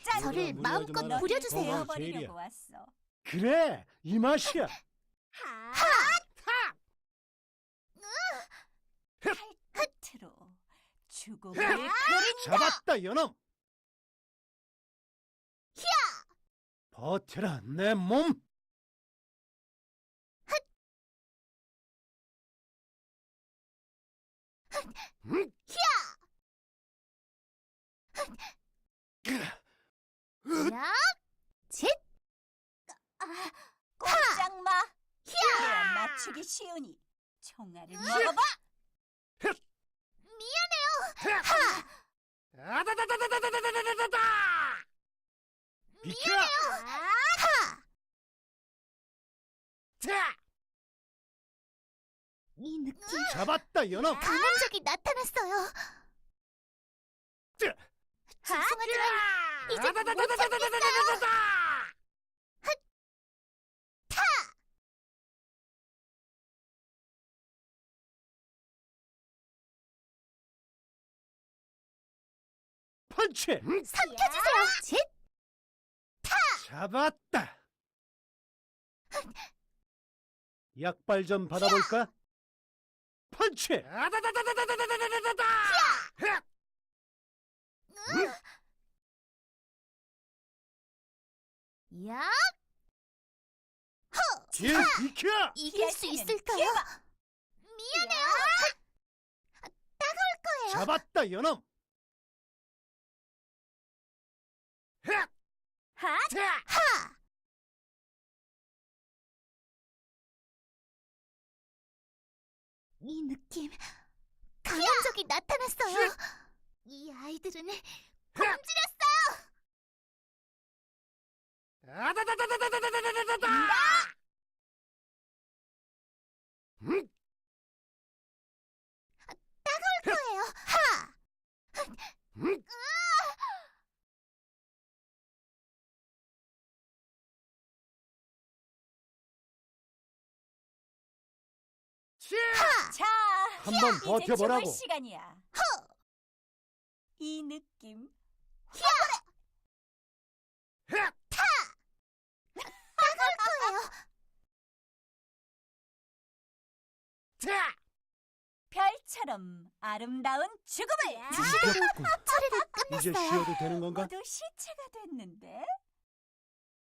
저를 마음껏 무리하지 마라. 부려주세요. 버리려고 왔어. 그래, 이 맛이야. 끝으로 죽음을 그린다. 잡았다, 연엄. 버텨라, 내 몸. 야! 짓! 꼼짝 마. 그래야 맞추기 쉬우니 총알을 먹어봐. 아다다다다다다다다다다! 비켜! 자! 이 느낌 잡았다, 연엄. 강한 적이 나타났어요. 자! 죄송하지만 이제 못 아다다다다다다다다다다! 펀치! 삼켜주세요. 짓! 잡았다. 약발 좀 받아볼까? 펀치! 아다다다다다다다다다다! 야! 길 비켜! 이길 수 피할 있을까요? 때는 미안해요. 따가울 거예요. 잡았다, 연엄. 하! 이 느낌 강한 적이 나타났어요. 이 아이들은 굶주렸어요. 아다다다다다다다다다다! 거예요. 하! 자, 한번 이제 버텨보라고. 죽을 시간이야. 이 느낌 거예요. 별처럼 아름다운 죽음을. 됐군. 처리를 이제 끝냈어요. 쉬어도 되는 건가? 모두 시체가 됐는데